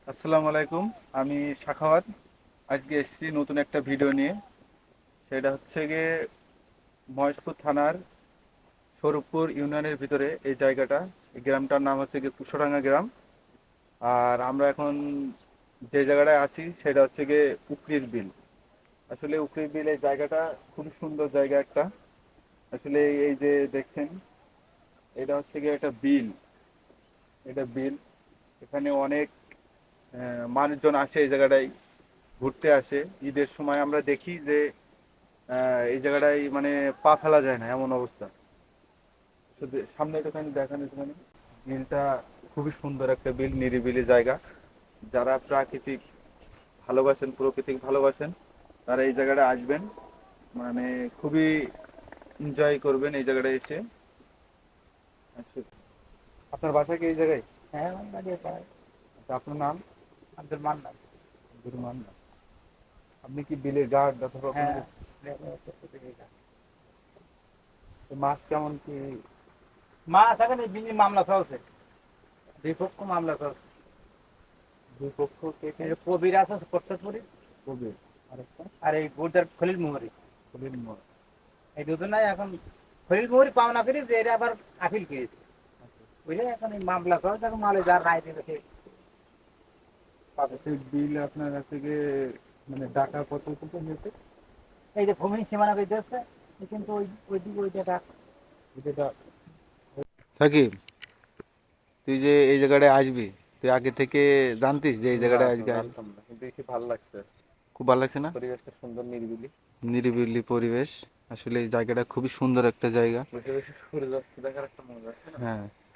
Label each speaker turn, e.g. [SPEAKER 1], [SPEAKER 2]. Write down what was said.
[SPEAKER 1] আসসালামু আলাইকুম। আমি সাখাওয়াত। আজকে এসেছি নতুন একটা ভিডিও নিয়ে। সেটা হচ্ছে গিয়ে মহেশপুর থানার স্বরূপপুর ইউনিয়নের ভিতরে এই জায়গাটা। এই গ্রামটার নাম হচ্ছে গিয়ে কুশরাঙ্গা গ্রাম। আর আমরা এখন যে জায়গাটায় আছি সেটা হচ্ছে গিয়ে উকরির বিল। আসলে উকরির বিল এই জায়গাটা খুবই সুন্দর জায়গা একটা। আসলে এই যে দেখছেন, এটা হচ্ছে গিয়ে একটা বিল। এটা বিল। এখানে অনেক মানুষজন আসে এই জায়গাটায় ঘুরতে আসে। ঈদের সময় আমরা দেখি যে এই জায়গাটায় মানে পা ফেলা যায় না এমন অবস্থা। শুধু সামনে একটুখানি দেখান একটুখানি। বিলটা খুবই সুন্দর একটা বিল, নিরিবিলি জায়গা। যারা প্রাকৃতিক ভালোবাসেন, প্রকৃতিক ভালোবাসেন, তারা এই জায়গাটা আসবেন। মানে খুবই এনজয় করবেন এই জায়গাটায় এসে। আচ্ছা, আপনার বাসা কি এই জায়গায়?
[SPEAKER 2] হ্যাঁ, আমার বাড়ি পাড়ায়।
[SPEAKER 1] আচ্ছা, আপনার নাম?
[SPEAKER 2] আব্দুল মান্নান।
[SPEAKER 1] আব্দুর রহমান। আপনি কি বিলের গার্ড অথবা কোনো
[SPEAKER 2] হ্যাঁ,
[SPEAKER 1] কিছু?
[SPEAKER 2] লেখাপড়া।
[SPEAKER 1] তো মাছ কেমন কি?
[SPEAKER 2] মাছ এখন এই বিনি মামলা চলছে, দুই পক্ষ মামলা চলছে।
[SPEAKER 1] দুই পক্ষ কে কে?
[SPEAKER 2] এই যে কবির আছে কর্তপুরি,
[SPEAKER 1] কবির, আরেকটা
[SPEAKER 2] আর এই গোর্জার খলিল মোহরি।
[SPEAKER 1] কবির মোড়।
[SPEAKER 2] এই দুজনাই এখন খলিল মোহরি পাওনা করি যে এরা আবার আপিল করেছে, বুঝলে। এখন এই মামলা চলছে, এখন মালে যার রায় দেবে সে পাবে।
[SPEAKER 1] সেই বিল আপনার কাছে গিয়ে মানে ডাকা কত কত হয়েছে?
[SPEAKER 2] এই যে ভূমি সীমানা করে দিচ্ছে, কিন্তু ওই দিকে ওই জায়গা।
[SPEAKER 1] এটা সাকিব, তুই যে এই জায়গাটায় আসবি, তুই আগে থেকে জানতিস যে এই
[SPEAKER 3] না,
[SPEAKER 1] জায়গাটায়
[SPEAKER 3] তো
[SPEAKER 1] আজকে আসবি?
[SPEAKER 3] জানতাম না, কিন্তু দেখি ভালো লাগছে আজকে।
[SPEAKER 1] খুব ভালো লাগছে না?
[SPEAKER 3] পরিবেশটা সুন্দর, নিরিবিলি।
[SPEAKER 1] নিরিবিলি পরিবেশ। আসলে এই জায়গাটা খুবই সুন্দর একটা জায়গা।
[SPEAKER 3] বসে বসে সূর্যাস্ত দেখার একটা মজা আছে না?
[SPEAKER 1] হ্যাঁ,